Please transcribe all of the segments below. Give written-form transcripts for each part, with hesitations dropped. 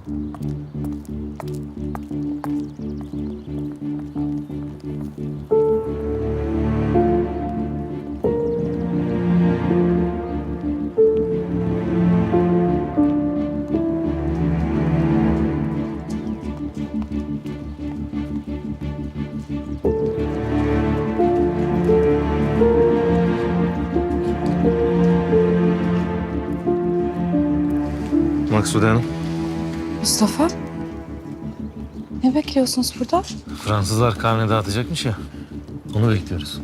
Maksude Hanım. Mustafa, ne bekliyorsunuz burada? Fransızlar karne dağıtacakmış ya. Onu bekliyoruz.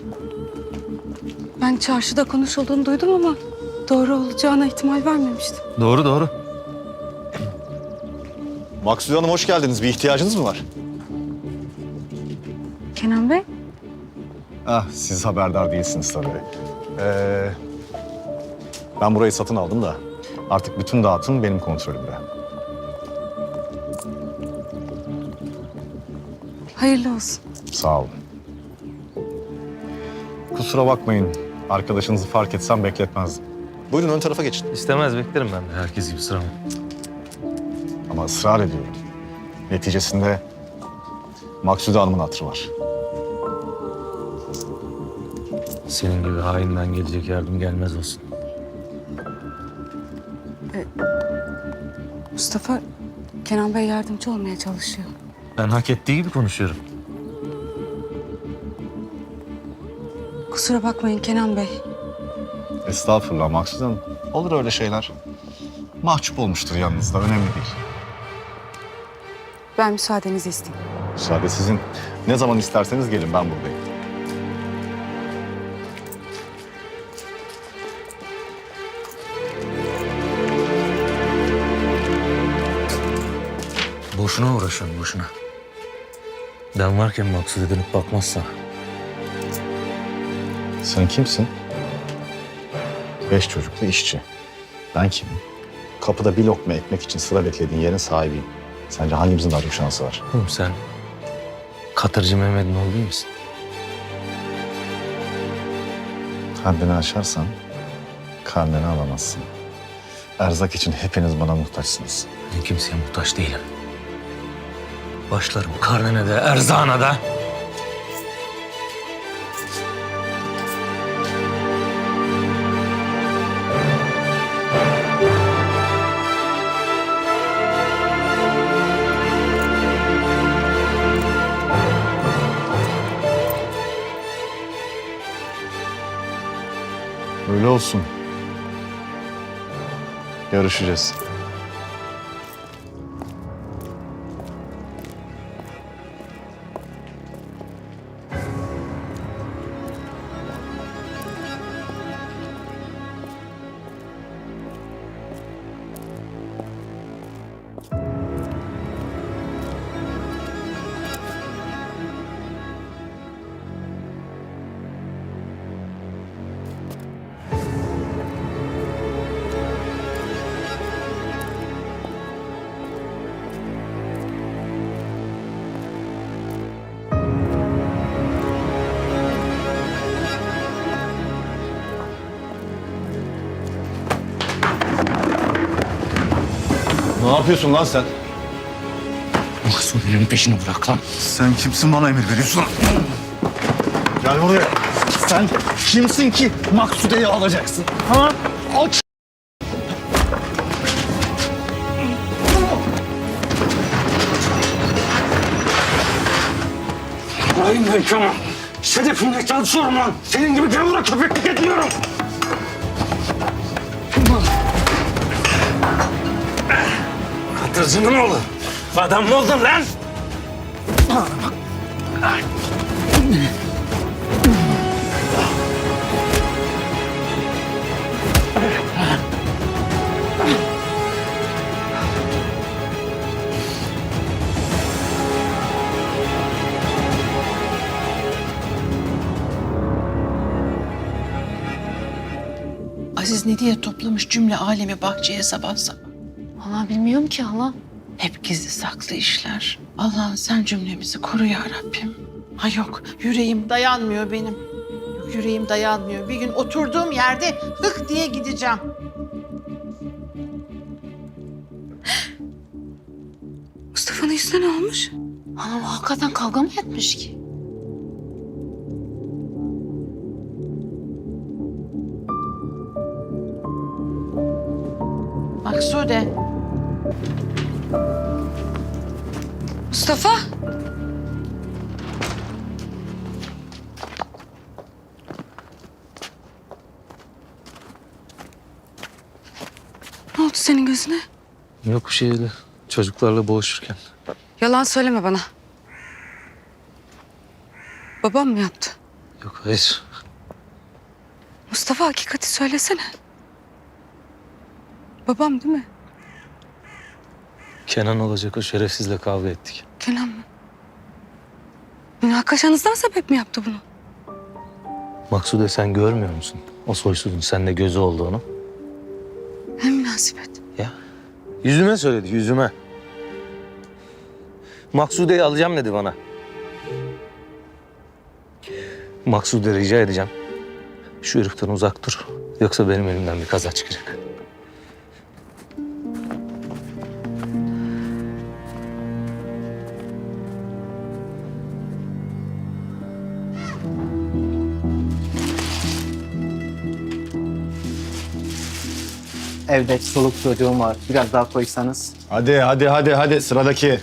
Ben çarşıda konuşulduğunu duydum ama doğru olacağına ihtimal vermemiştim. Doğru doğru. Maksude Hanım hoş geldiniz. Bir ihtiyacınız mı var? Kenan Bey, Ah, siz haberdar değilsiniz tabii. Ben burayı satın aldım da artık bütün dağıtım benim kontrolümde. hayırlı olsun. Sağ olun. Kusura bakmayın. Arkadaşınızı fark etsem bekletmezdim. Buyurun ön tarafa geçin. İstemez, beklerim ben de herkes gibi sıramı. Ama ısrar ediyorum. Neticesinde Maksude Hanım'ın hatırı var. Senin gibi hainden gelecek yardım gelmez olsun. Mustafa, Kenan Bey yardımcı olmaya çalışıyor. Ben hak ettiği gibi konuşuyorum. Kusura bakmayın Kenan Bey. Estağfurullah Maksude Hanım. Olur öyle şeyler. Mahcup olmuştur yanınızda. Önemli değil. Ben müsaadenizi isteyeyim. Müsaade sizin. Ne zaman isterseniz gelin, ben buradayım. Boşuna uğraşıyorum, boşuna. Ben varken Maksude dönüp bakmazsa. Sen kimsin? 5 çocuklu işçi. Ben kimim? Kapıda bir lokma ekmek için sıra beklediğin yerin sahibiyim. Sence hangimizin daha çok şansı var? Oğlum sen Katırcı Mehmet'in oğlu değil misin? Haddini aşarsan karneni alamazsın. Erzak için hepiniz bana muhtaçsınız. Ben kimseye muhtaç değilim. Başlarım karnene de, erzağına da. Öyle olsun. Görüşeceğiz. Ne yapıyorsun lan sen? Maksude'nin peşini bırak lan. Sen kimsin, bana emir veriyorsun? Gel buraya. Sen kimsin ki Maksude'yi alacaksın? Ha? Aç! Hayır ben Kemal. Sedefimle çalışıyorum lan. Senin gibi gavura köpeklik etmiyorum. Katırcının oğlu. Adam mı oldun lan? Aziz ne diye toplamış cümle alemi bahçeye sabah sabah. Vallahi bilmiyorum ki hala. Hep gizli saklı işler. Allah'ım sen cümlemizi koru ya Rabbim. Ha yok, yüreğim dayanmıyor benim. Yok, yüreğim dayanmıyor. Bir gün oturduğum yerde hık diye gideceğim. Mustafa'nın yüzüne ne olmuş? Anam hakikaten kavga mı etmiş ki? Maksude. Mustafa! Ne oldu senin gözüne? Yok bir şey öyle. Çocuklarla boğuşurken. Yalan söyleme bana. Babam mı yaptı? Yok hayır. Mustafa hakikati söylesene. Babam değil mi? Kenan olacak o şerefsizle kavga ettik. Kenan mı? Münakaşanızdan sebep mi yaptı bunu? Maksude sen görmüyor musun? O soysuzun sende gözü olduğunu. Ne münasebet. Ya yüzüme söyledi yüzüme. Maksude'yi alacağım dedi bana. Maksude rica edeceğim. Şu heriften uzak dur. Yoksa benim elimden bir kaza çıkacak. Evde çoluk çocuğum var. Biraz daha koysanız. Hadi sıradaki.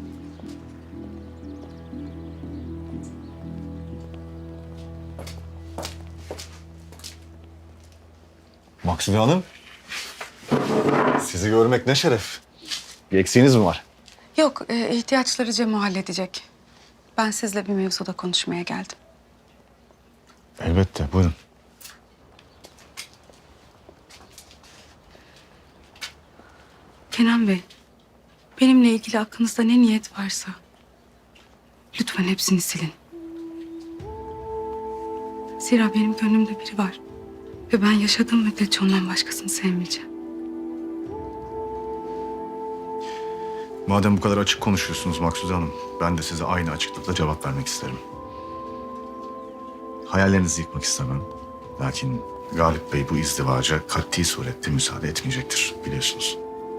Maksude Hanım. Sizi görmek ne şeref. Bir eksiğiniz mi var? Yok, ihtiyaçları Cem halledecek. Ben sizle bir mevzuda konuşmaya geldim. Elbette buyurun. Kenan Bey, benimle ilgili aklınızda ne niyet varsa lütfen hepsini silin. Zira benim gönlümde biri var ve ben yaşadığım müddetçe ondan başkasını sevmeyeceğim. Madem bu kadar açık konuşuyorsunuz Maksude Hanım, ben de size aynı açıklıkla cevap vermek isterim. Hayallerinizi yıkmak istemem. Lakin Galip Bey bu izdivaca kat'i surette müsaade etmeyecektir biliyorsunuz.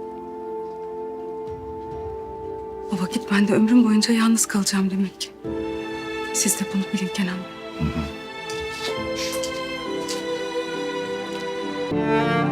O vakit ben de ömrüm boyunca yalnız kalacağım demek ki. Siz de bunu bilin Kenan Bey. Hı hı.